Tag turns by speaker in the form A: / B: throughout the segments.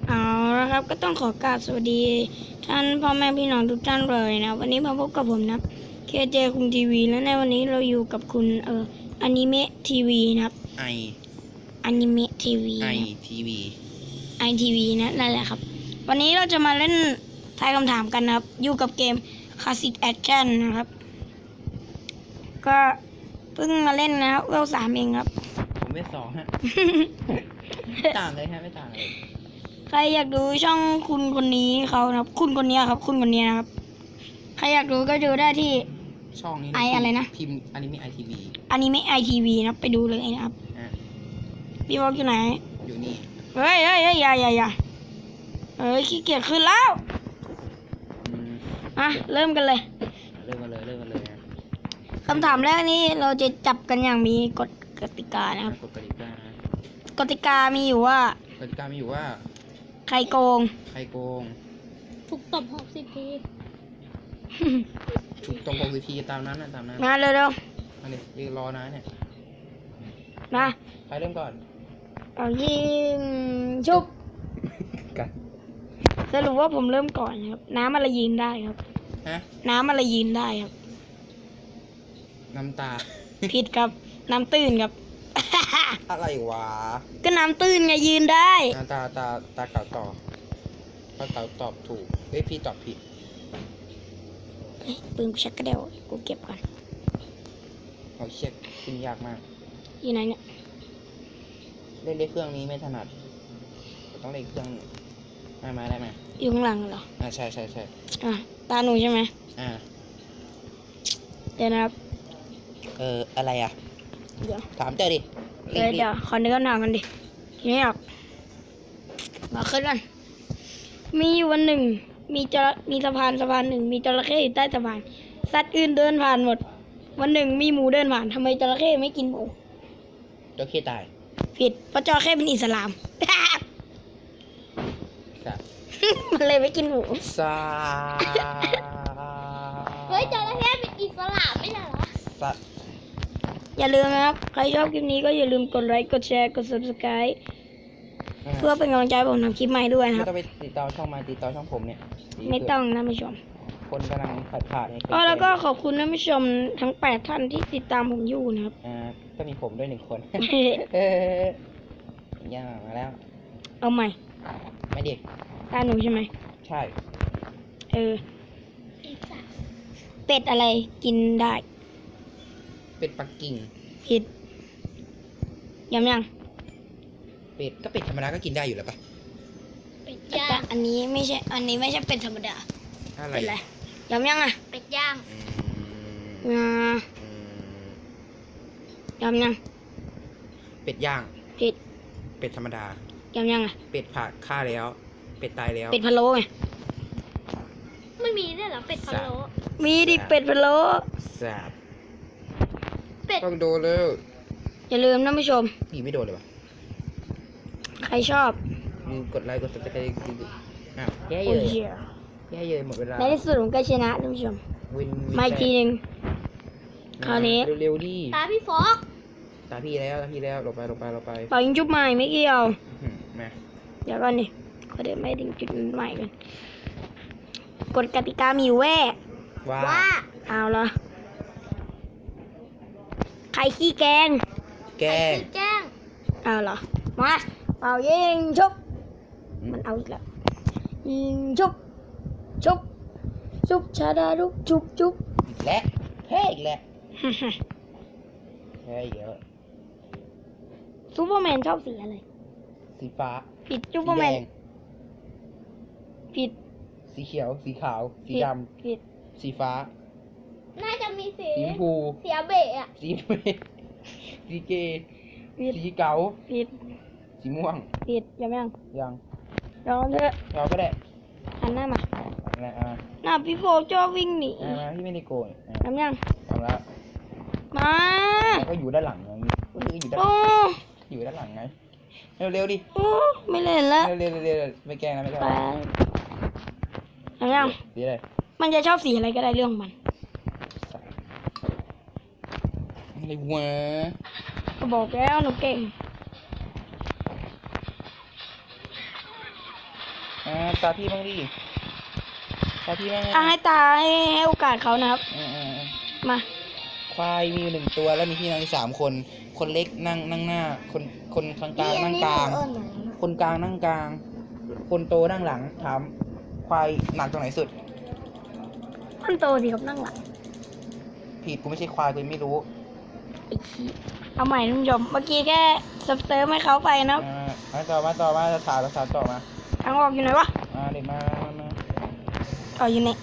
A: เอาละครับก็ต้องขอกราบสวัสดีท่านพ่อแม่พี่น้องทุกท่านเลยนะวันนี้มาพบกับผมนะเคเจคุงทีวีและในวันนี้เราอยู่กับคุณอนิเมะทีวีนะครับอนิเมะทีวีไอทีวีนั่นแหละครับวันนี้เราจะมาเล่นทายคำถามกันนะครับอยู่กับเกม Classic Action นะครับก็เพิ่งมาเล่นนะครับเวล3เองครับ
B: ผมเป็น2ฮะ ต่างเลยฮะไม่ต่างเลย
A: ใครอยากดูช่องคุณคนนี้เขานะครับคุณคนนี้ครับคุณคนนี้นะครับใครอยากดูก็ดูได้ที่
B: ช่องนี้
A: อะไรนะ
B: พิมพ์อนิเมะไอทีวี
A: นะไปดูเลยนะครับพี่บอกอยู่ไหน
B: อยู่นี่
A: เฮ้ยอย่าขี้เกียจขึ้นแล้วเริ่มกันเลยคำถามแรกนี้เราจะจับกันอย่างมีกติกานะครับกติกามีอยู่ว่าใครโกง
C: ถูกตบ60 ที
B: ถูกตบ60 ทีตามนั้น
A: มาเร็ว
B: อันนี้ยืนรอนะเนี่ย
A: มา
B: ใครเริ่มก่อน
A: เอายิงชุบ
B: กัน
A: สรุปว่าผมเริ่มก่อนครับน้ำอะไรยิงได้ครับน้ำอะไรยิงได้ครับ
B: น้ำตา
A: ผิดครับน้ำตื้นครับ
B: อะไรวะ
A: ก็น้ำตื้นไงยืนได้
B: ตาเก่าต่อถ้าเก่าตอบถูกพี่ตอบผิด
A: ปืนชักกระเดี่ยวกูเก็บก่อน
B: เอาเช็คขึ้นยากมาก
A: อยู่ไหนเนี่ย
B: เล่นเครื่องนี้ไม่ถนัดต้องเล่นเครื่องได้ไหม
A: อยู่ข้างหลังเหรอ
B: ใช่
A: ตาหนูใช่ไหมเดี๋ยวนะครับ
B: อะไรอ่ะ
A: เดี๋ยว
B: ถามเจอดิ
A: เดี๋ยวขอนึกคำถามกันดินี่ออกมาขึ้นกันมีอยู่วันหนึ่งมีสะพานหนึ่งมีจระเข้อยู่ใต้สะพานสัตว์อื่นเดินผ่านหมดวันหนึ่งมีหมูเดินผ่านทำไมจระเข้ไม่กินหมู
B: จระเข้ตาย
A: ผิดเพราะจระเข้เป็นอิสลามมันเลยไม่กินหมู
C: เฮ้ยจระเข้เป็นอิสลามไม่ใช่เหรอ
A: อย่าลืมนะครับใครชอบคลิปนี้ก็อย่าลืมกดไลค์กดแชร์กด Subscribe เพื่อเป็นกำลังใจผมทำคลิปใหม่ด้วยนะครับ
B: ไม่ต้องไปติดต่อช่องติดต่อช่องผมเนี่ย
A: ไม่ต้องนะผู้ชม
B: คนกำลังขาด
A: แล้วก็ขอบคุณท่านผู้ชมทั้ง8ท่านที่ติดตามผมอยู่นะครับ
B: ก็มีผมด้วย1 คนย่ามาแล้ว
A: เอาใหม่
B: ไม่ดิ
A: ตาหนูใช่ไหม
B: ใช่
A: เป็ดอะไรกินได้
B: เป็ดปักกิ่ง
A: ผิดยัง
B: เป็ดธรรมดาก็กินได้อยู่แล้วปะ
C: เป็ดย่าง
A: อันนี้ไม่ใช่เป็ดธรรมดา
B: อะไร
A: ยัง
C: เป็ดย่าง
A: ยัง
B: เป็ดย่าง
A: ผิด
B: เป็ดธรรมดา
A: ยัง
B: เป็ดผ่าฆ่าแล้วเป็ดตายแล้ว
A: เป็ดพะโล้ไง
C: ไม่มีด้วยเหรอเป็ดพะโล้
A: มีดิเป็ดพะโล้
B: แซ่บต้องโดนเลย
A: อย่าลืมนะผู้ชม
B: นี่ไม่โดนเลยวะ
A: ใครชอบ
B: กดไลค์กดซับสไครต์แย่เยอะหมดเวลา
A: ในที่สุดผมก็ชนะท่านผู้ชมมาอีกทีหนึ่งคราวนี้
B: เร็วดิ
C: ตาพี่ฟอก
B: ตาพี่แล้วลงไป
A: เป่ายิงจุ๊บใหม่ไม่เกี่ยว
B: มา
A: เดี๋ยวก่อนดิขอเดี๋ยวไม่ถึงจุดใหม่กันกฎกติกามีแว่
C: ว่า
A: เอาละใครขี้แกงเอาเหรอมาเป่ายิงชุบมันเอาอีกแล้วยิงชุบชาดาลุกชุบ
B: อีกแล้วแพ้อีกแล้วแพ้เยอะ
A: ซูเปอร์แมนชอบสีอะไร
B: สีฟ้า
A: ผิดซูเปอร์แมนผิด
B: สีเขียวสีขาวสีดำ
A: ผิด
B: สีฟ้า
C: น่าจะมีสี
B: ชมพู
C: เสียเบะ
B: สีเบะสีเกสีเก๋า
A: ผิด
B: สีม่วง
A: ผิดยังลองเถอะ
B: เราก็ได้
A: หันหน้ามาหน้าพี่โฟจอวิ่งหนี
B: พี่ไม่ได้โกน
A: ทำแล้ว
B: มาก็อยู่ด้านหลังไงอยู่ด้านหลังไงเร็วดิ
A: ไม่เล่นแล้ว
B: เร็วไม่แกล้งนะไม่แกล้ง
A: ทำยัง
B: สีอะไร
A: มันจะชอบสีอะไรก็ได้เรื่องมัน
B: อะไรวะ
A: ก็บอกแล้วหนูเก่ง
B: ตาพี่บ้างดิตาพี่บ้าง
A: ให้ตาให้โอกาสเขานะครับมา
B: ควายมีอยู่1 ตัวแล้วมีพี่น้องอีก3 คน คนเล็กนั่งหน้า คนกลางนั่งกลาง คนกลางนั่งกลาง คนโตนั่งหลังถามควายหนักตรงไหนสุด
A: คนโตสิครับนั่งหลัง
B: ผิดกูไม่ใช่ควายกูไม่รู้
A: เอาใหม่ท่านผู้ชมเมื่อกี้แค่เซิร์ฟให้เขาไปนะ
B: มาต่อมาถามต่อมา
A: ทางออกอยู่ไหนวะ
B: เด็กมา
A: อยู่ไหน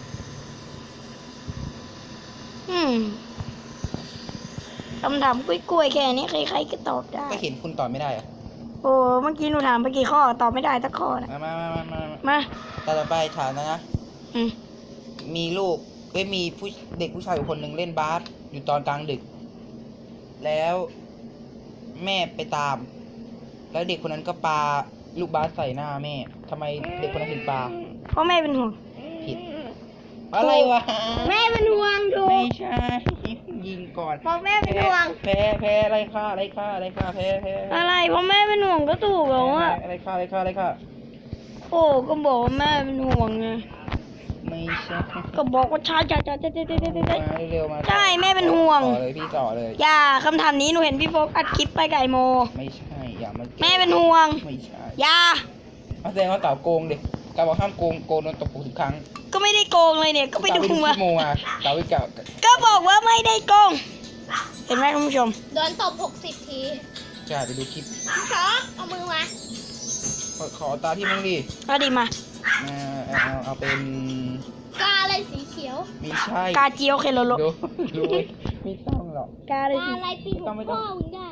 A: คำถามกล้วยๆแค่นี้ใครๆก็ตอบได้
B: ก็เห็นคุณตอบไม่ได้อะ
A: โอ้เมื่อกี้หนูถามไปกี่ข้อตอบไม่ได้สักข้อนะ
B: มา
A: มา
B: ต่อไปถามนะ มีลูกมีเด็กผู้ชายอยู่คนหนึ่งเล่นบาสอยู่ตอนกลางดึก แล้วแม่ไปตาม แล้วเด็กคนนั้นก็ปาลูกบาสใส่หน้าแม่ทำไมเด็กคนนั้นถึงปา
A: เพราะแม่เป็นห่วง
B: ผิด อะไรวะ
A: แม่เป็นห่วงถู
B: ไม่
A: ก
B: ใช่ยิงก่อน
A: เพราะแม่เป็นห่วง
B: แพ้อะไรค่าแพ้
A: อะไรเพราะแม่เป็นห่วงก็ถูกแล้วอ่ะ
B: อะไรค่า
A: โอ้ก็บอกว่าแม่เป็นห่วงไง
B: ไม่ใช่
A: ก็บอกว่าช้า
B: มาเร็วมา
A: ใช่แม่เป็นห่วง
B: ต่อเลยพี่ต่อเลย
A: อย่าคำถามนี้หนูเห็นพี่โฟกอัดคลิปไปไก่โม
B: ไม่ใช่อย่ามา
A: แม่เป็นห่วง
B: ไม่ใช่
A: อย่า
B: แสดงว่าเต่าโกงดิกาบอกห้ามโกงโดนตบปูทุกครั้ง
A: ก็ไม่ได้โกงเลยเนี่ยก็ไปดู
B: คลิ
A: มา
B: ปโมมาเต่าไปเก่า
A: ก็บอกว่าไม่ได้โกงเห็นไหมคุณผู้ชม
C: โดนตบ60 ที
B: จะไปดูคลิป
C: พี่ช็อกเอามือมา
B: ขอตาพี่มั่งดิ
A: ก็ดีมา
B: เอาเป็น
C: กาอะไรสีเขียว
B: ไม่ใช่
A: กาเจียวเคโลโล
B: ดูไม่ต้องหรอก
A: กาเลย
C: กา
A: สิ
C: อะไรปีหัวพ่อมึงได้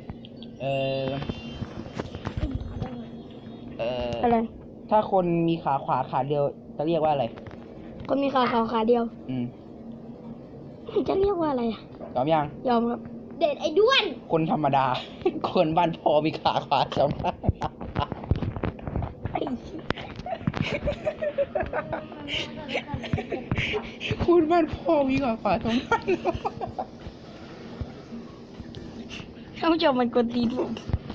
A: อะไร
B: ถ้าคนมีขาขวาขาเดียวจะเรียกว่าอะไร
A: คนมีขาขาวขาเดียว จะเรียกว่าอะไรอะ
B: ยอมยัง
A: ยอมครับ
C: เด็ดไอ้ด้วน
B: คนธรรมดา คนบ้านพอมีขาขวาสองข้าง
A: ไอ้
B: คนบ้านพอมีขาขวาสองข้าง
A: ท่านผู้ชมมันกดตีนผม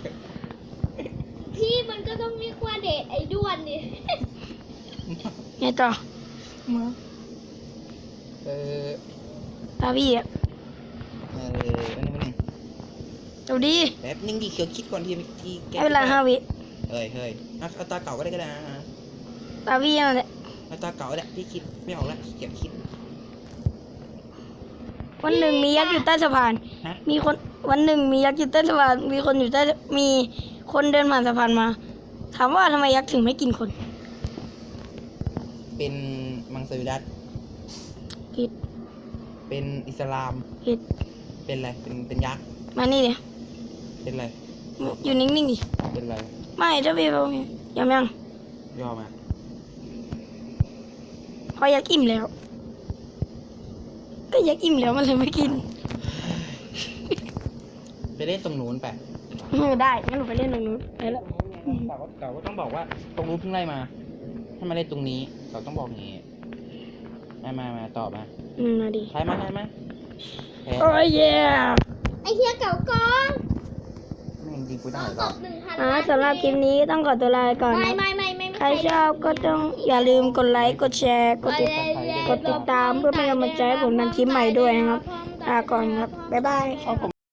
C: พี่มันก็ต้องเรียกว่าเด็ดไอ้ด้วนดิ
A: ไงต่อ
B: มา
A: ตาพี่อะ
B: อันนี้มัน
A: ดูดี
B: แป๊บนึงดิเขียวคิดก่อนทีเมื่อกี้แก
A: ให้เวลา5 วิ
B: เฮ้ยเอาตาเก่าก็ได้นะ
A: ตาพี่นั่นแหละ
B: เอาตาเก่าก็ได้พี่คิดไม่ออกแล้วเขียนคิด
A: วันหนึ่งมียักษ์อยู่ใต้สะพาน
B: ฮะ
A: วันหนึ่งมียักษ์อยู่ใต้สะพานมีคนเดินผ่านสะพานมา ถามว่าทำไมยักษ์ถึงไม่กินคน
B: เป็นมังสวิรัต
A: ผิด
B: เป็นอิสลาม
A: ผิด
B: เป็นอะไรเป็นยักษ์
A: มานี่ดิ
B: เป็นอะไร
A: อยู่นิ่งๆดิ
B: เป็นอะไร
A: ไม่ถ้าพี่เขายัง
B: ยอมมา
A: พอยักษ์อิ่มแล้ว ก็ยักษ์อิ่มแล้วมันเลยไม่กิน
B: ไปเล่นตรงนู้นไป
A: ได้งั้นหนูไปเล่นตรงนู้นไปแล้ว
B: เก่าก็ต้องบอกว่าตรงนู้นเพิ่งไล่มาให้มาเล่นตรงนี้เขาต้องบอกอย่างงี้มาตอบมา
A: มาดิ
B: ใช่ไหมแพ้
A: โอ้ยเย่
C: ไอ้เฮียเก่ากอง
B: ไม่จริงกูได้
C: ต้อง
B: หร
C: ต
B: อก
C: บ1,000
A: สำหรับคลิปนี้ต้องขอตัวลาไปก่อนนะ
C: ไม่
A: ใครชอบก็ต้องอย่าลืมกดไลค์ กดแชร์ กดติดตามเพื่อเป็นกำลังใจให้ผมทำคลิปใหม่ด้วยนะครับลาก่อนครับ บ๊ายบาย
B: ชอบผม